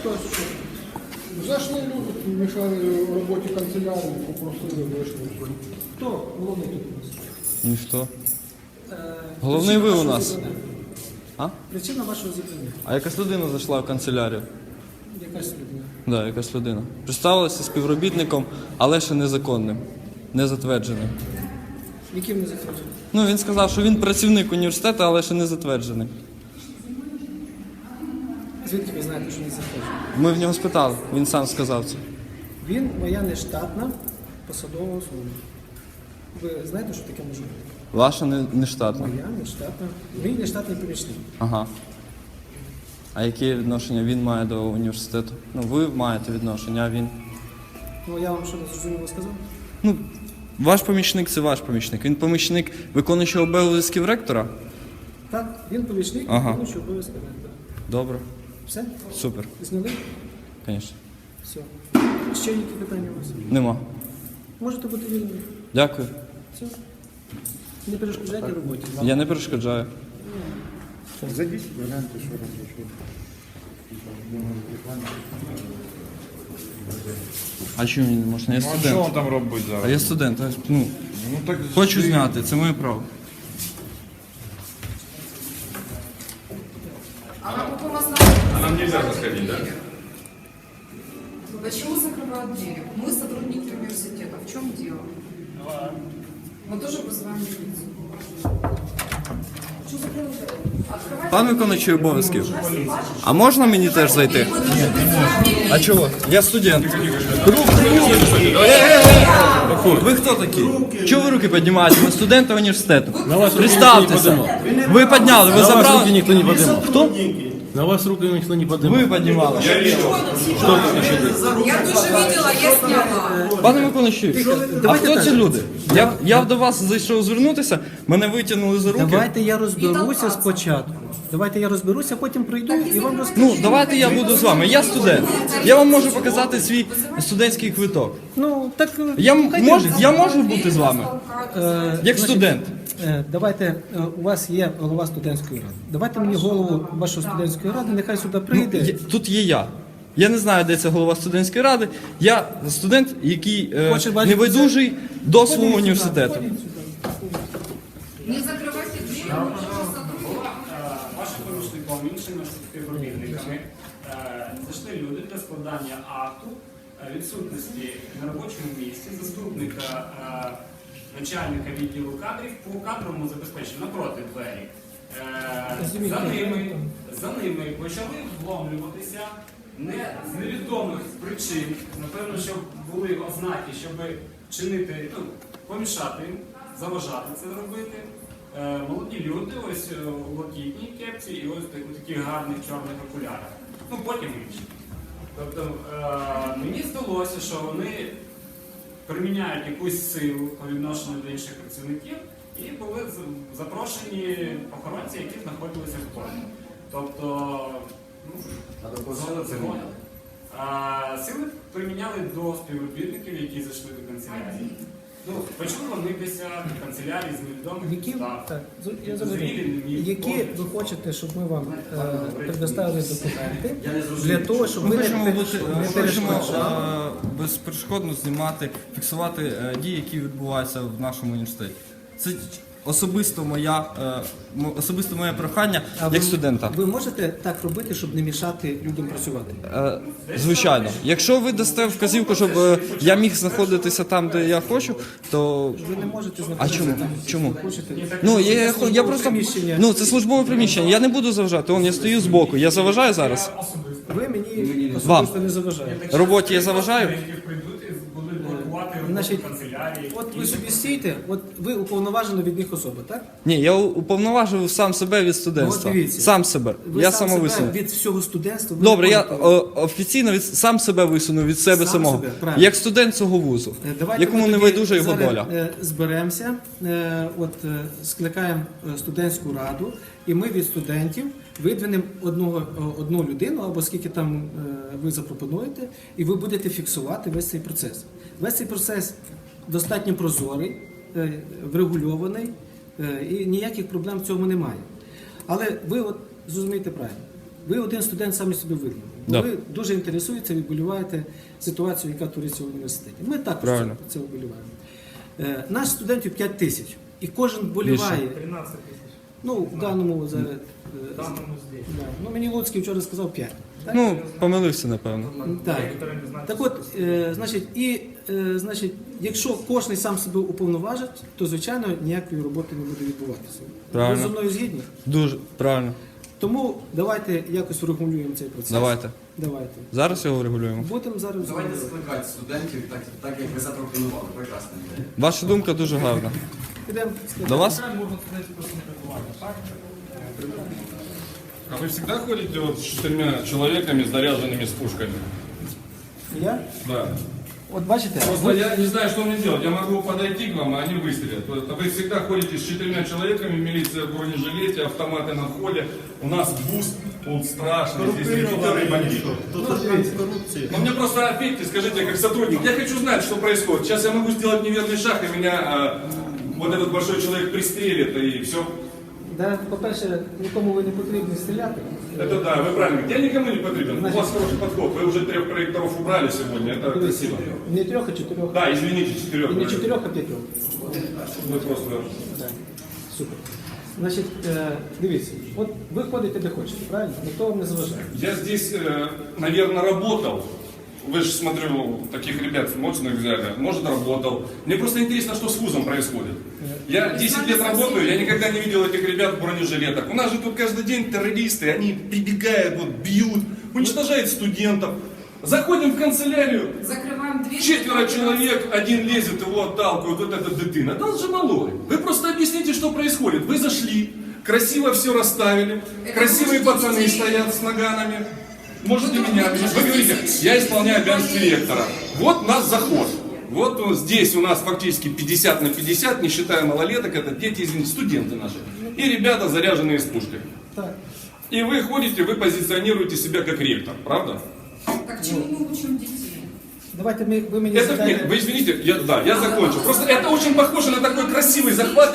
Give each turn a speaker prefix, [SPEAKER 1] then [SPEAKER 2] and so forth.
[SPEAKER 1] Хтось зайшли люди, мішали роботі канцелярії, попросили, вийшли.
[SPEAKER 2] Хто головний тут у нас?
[SPEAKER 3] Ніхто. Головний ви у нас. А?
[SPEAKER 2] Причина вашого зупинення.
[SPEAKER 3] А якась людина зайшла в канцелярію.
[SPEAKER 2] Якась людина.
[SPEAKER 3] Да, якась людина. Представилася співробітником, але ще незаконним, не затвердженим.
[SPEAKER 2] Яким не затверджений?
[SPEAKER 3] Ну, він сказав, що він працівник університету, але ще не затверджений.
[SPEAKER 2] Звідки ви знаєте, що не затверджений?
[SPEAKER 3] Ми в нього спитали, він сам сказав це.
[SPEAKER 2] Він моя нештатна посадова особа. Ви знаєте, що таке може бути?
[SPEAKER 3] Ваша не штатна.
[SPEAKER 2] Моя нештатна. Мій нештатний помічник.
[SPEAKER 3] Ага. А яке відношення він має до університету? Ну, ви маєте відношення, а він?
[SPEAKER 2] Ну, я вам що не зрозуміло сказав?
[SPEAKER 3] Ну, ваш помічник – це ваш помічник. Він помічник виконуючого обов'язків ректора?
[SPEAKER 2] Так, він помічник,
[SPEAKER 3] Ага.
[SPEAKER 2] виконуючий обов'язки ректора.
[SPEAKER 3] Добре.
[SPEAKER 2] Все?
[SPEAKER 3] Супер.
[SPEAKER 2] Зняли?
[SPEAKER 3] Звісно.
[SPEAKER 2] Все. Ще які питання у вас?
[SPEAKER 3] Нема.
[SPEAKER 2] Можете бути вільними.
[SPEAKER 3] Дякую.
[SPEAKER 2] Все. Не перешкоджайте роботі.
[SPEAKER 3] Я не перешкоджаю.
[SPEAKER 1] Зайдіть, гляньте, що робить.
[SPEAKER 3] А чому мені не можна? Я
[SPEAKER 4] Ну, а що
[SPEAKER 3] студент.
[SPEAKER 4] він там робить зараз?
[SPEAKER 3] А я студент. Ну,
[SPEAKER 4] Ну, так
[SPEAKER 3] хочу
[SPEAKER 4] ти-
[SPEAKER 3] зняти, це моє право.
[SPEAKER 5] А на каком основании?
[SPEAKER 4] А нам нельзя заходить, да?
[SPEAKER 5] Почему закрывают двери? Мы сотрудники университета. В чем дело? Мы тоже вызываем милицию. Что закрыли двери? Открывайте.
[SPEAKER 3] Пан виконуючий обов'язків, а можна мені теж зайти? А чого? Я студент. Ви хто такі? Чого ви руки піднімаєте? Ви студенти університету. Представтеся. Ви підняли, ви
[SPEAKER 6] На вас руки
[SPEAKER 3] забрали.
[SPEAKER 6] никто не поднимал.
[SPEAKER 3] Хто?
[SPEAKER 6] На вас руки никто не поднимал.
[SPEAKER 3] Ви піднімали.
[SPEAKER 5] Я тоже видела, я сняла.
[SPEAKER 3] Пане виконуючий, а хто ці люди? Я до вас зайшов звернутися, мене витягнули за руки.
[SPEAKER 2] Давайте я розберуся спочатку. Давайте я розберуся, потім прийду і вам розкажу.
[SPEAKER 3] Ну, давайте я буду з вами. Я студент. Я вам можу показати свій студентський квиток.
[SPEAKER 2] Ну, так...
[SPEAKER 3] Я можу бути з вами, як студент.
[SPEAKER 2] Давайте, у вас є голова студентської ради. Давайте мені голову вашої студентської ради, нехай сюди прийде.
[SPEAKER 3] Тут є я. Я не знаю, де це голова студентської ради. Я студент, який
[SPEAKER 2] Хоче бачити
[SPEAKER 3] небайдужий до свого університету.
[SPEAKER 5] Не закрывайте двери.
[SPEAKER 7] Вашим помічником, іншими співробітниками зайшли люди для складання акту відсутності на робочому місці заступника начальника відділу кадрів по кадровому забезпеченню напроти двері. За ними почали вломлюватися не з невідомих причин, напевно, що були ознаки, щоб чинити, помішати їм, заважати це робити. Молоді люди, ось у блакитній кепці і ось у таких гарних чорних окулярах. Ну, потім інші. Тобто, мені здалося, що вони приміняють якусь силу по відношенню до інших працівників і були запрошені охоронці, які знаходилися в полі. Тобто, сили приміняли до співробітників, які зайшли до канцелярії. Ну, почали вони десь в канцелярії з невідомих
[SPEAKER 2] Які,
[SPEAKER 7] підстав.
[SPEAKER 2] так, я забуду. Які ви хочете, щоб ми вам предоставили документи для того, щоб
[SPEAKER 3] Ми
[SPEAKER 2] ви
[SPEAKER 3] хочемо
[SPEAKER 2] не перешкоджали?
[SPEAKER 3] безперешкодно знімати, фіксувати дії, які відбуваються в нашому університеті. Це особисто моє прохання як студента.
[SPEAKER 2] Ви можете так робити, щоб не мішати людям працювати?
[SPEAKER 3] Звичайно. Якщо ви дасте вказівку, щоб я міг знаходитися там, де я хочу, то...
[SPEAKER 2] Ви не можете
[SPEAKER 3] А
[SPEAKER 2] знаходитися
[SPEAKER 3] чому?
[SPEAKER 2] там,
[SPEAKER 3] Чому?
[SPEAKER 2] де хочете.
[SPEAKER 3] Ну, я просто...
[SPEAKER 2] приміщення.
[SPEAKER 3] Ну, це службове приміщення. Я не буду заважати. Я стою збоку. Я заважаю зараз?
[SPEAKER 2] Ви мені
[SPEAKER 3] Вам.
[SPEAKER 2] особисто не заважаєте.
[SPEAKER 3] Роботі я заважаю?
[SPEAKER 7] Які прийдуть і будуть блокувати роботу
[SPEAKER 2] Значить,
[SPEAKER 7] канцелярії.
[SPEAKER 2] От ви собі стійте, от ви уповноважена від них особа, так?
[SPEAKER 3] Ні, я уповноважив сам себе від
[SPEAKER 2] Ну,
[SPEAKER 3] студентства.
[SPEAKER 2] от дивіться.
[SPEAKER 3] Сам себе.
[SPEAKER 2] Ви
[SPEAKER 3] Я
[SPEAKER 2] сам себе
[SPEAKER 3] самовисунув.
[SPEAKER 2] від всього студентства. ви
[SPEAKER 3] Добре, я
[SPEAKER 2] виконуєте.
[SPEAKER 3] офіційно сам себе висунув від себе
[SPEAKER 2] Сам
[SPEAKER 3] самого.
[SPEAKER 2] себе, правильно.
[SPEAKER 3] Як студент цього вузу,
[SPEAKER 2] Давайте
[SPEAKER 3] якому
[SPEAKER 2] ми
[SPEAKER 3] не
[SPEAKER 2] тоді
[SPEAKER 3] байдужа його
[SPEAKER 2] зараз,
[SPEAKER 3] доля.
[SPEAKER 2] Зберемося, скликаємо студентську раду, і ми від студентів видвинемо одну людину, або скільки там ви запропонуєте, і ви будете фіксувати весь цей процес. Весь цей процес достатньо прозорий, врегульований, і ніяких проблем в цьому немає. Але ви от зрозумієте правильно. ви один студент самі собі видно.
[SPEAKER 6] Да.
[SPEAKER 2] Ви дуже інтересуєтеся, відболіваєте ситуацію, яка твориться в університеті. Ми також
[SPEAKER 6] Правильно.
[SPEAKER 2] це вболіваємо. Нас студентів 5 тисяч, і кожен вболіває.
[SPEAKER 7] 13 тисяч.
[SPEAKER 2] Ну, в даному зараз.
[SPEAKER 7] В даному здесь.
[SPEAKER 2] Да. Ну, мені Луцький вчора сказав 5. Так?
[SPEAKER 3] Ну, помилився, напевно.
[SPEAKER 2] Так.
[SPEAKER 7] Некоторые не знают.
[SPEAKER 2] Так от, значить, якщо кожен сам себе уповноважить, то, звичайно, ніякої роботи не буде відбуватися.
[SPEAKER 3] Правильно.
[SPEAKER 2] Ви зі мною згідні?
[SPEAKER 3] Дуже правильно.
[SPEAKER 2] Тому давайте якось врегулюємо цей процес.
[SPEAKER 3] Давайте.
[SPEAKER 2] Давайте.
[SPEAKER 3] Зараз його регулюємо.
[SPEAKER 2] Будемо зараз.
[SPEAKER 4] Давайте закликати студентів, так як ви запропонували. Прекрасна ідея.
[SPEAKER 3] Ваша думка дуже гарна.
[SPEAKER 2] Підемо.
[SPEAKER 3] До вас?
[SPEAKER 7] Можна студентів просто не прибувати, так?
[SPEAKER 6] А вы всегда ходите вот с 4 человеками, с заряженными с пушками?
[SPEAKER 2] Я?
[SPEAKER 6] Да.
[SPEAKER 2] От бачите,
[SPEAKER 6] Просто я не знаю, что мне делать. Я могу подойти к вам, а они выстрелят. А вы всегда ходите с 4 человеками, милиция в бронежилете, автоматы на входе. У нас буст тут страшный, здесь репетиторы и бандиты. Но мне просто ответьте, скажите, как сотрудник, я хочу знать, что происходит. Сейчас я могу сделать неверный шаг, и меня вот этот большой человек пристрелит, и все.
[SPEAKER 2] да, по-перше, нікому ви не потрібні стріляти.
[SPEAKER 6] Это да, вы правильно говорите. Я никому не потребен. У вас хороший подход. Вы уже 3 проекторов убрали сегодня. Это красиво.
[SPEAKER 2] Не 3, а 4.
[SPEAKER 6] Да, извините, 4.
[SPEAKER 2] І не 4, а 5.
[SPEAKER 6] Вы просто...
[SPEAKER 2] Так. Супер. Значить, дивіться, от ви ходите де хочете, правильно? Ніхто вам не заважає.
[SPEAKER 6] Я здесь, наверное, работал. Вы же, смотрю, таких ребят мощных взяли. Может, работал. Мне просто интересно, что с вузом происходит. Я 10 лет работаю, я никогда не видел этих ребят в бронежилетах. У нас же тут каждый день террористы, они прибегают, вот, бьют, уничтожают студентов. Заходим в канцелярию,
[SPEAKER 5] Закрываем дверь.
[SPEAKER 6] 4 человек, один лезет, его отталкивают, вот это дитина. Да он же малой. Вы просто объясните, что происходит. Вы зашли, красиво все расставили, красивые пацаны стоят с наганами. Можете меня объяснить? Вы говорите, я исполняю обязанности ректора. Вот наш заход. Вот здесь у нас фактически 50 на 50, не считая малолеток, это дети, извините, студенты наши. И ребята, заряженные с пушкой.
[SPEAKER 2] Так.
[SPEAKER 6] И вы ходите, вы позиционируете себя как ректор, правда?
[SPEAKER 5] Так чему мы учим детей?
[SPEAKER 2] Давайте ви мені
[SPEAKER 6] Это,
[SPEAKER 2] задайте...
[SPEAKER 6] нет, вы извините, я закончу. Просто это очень похоже на такой красивый захват.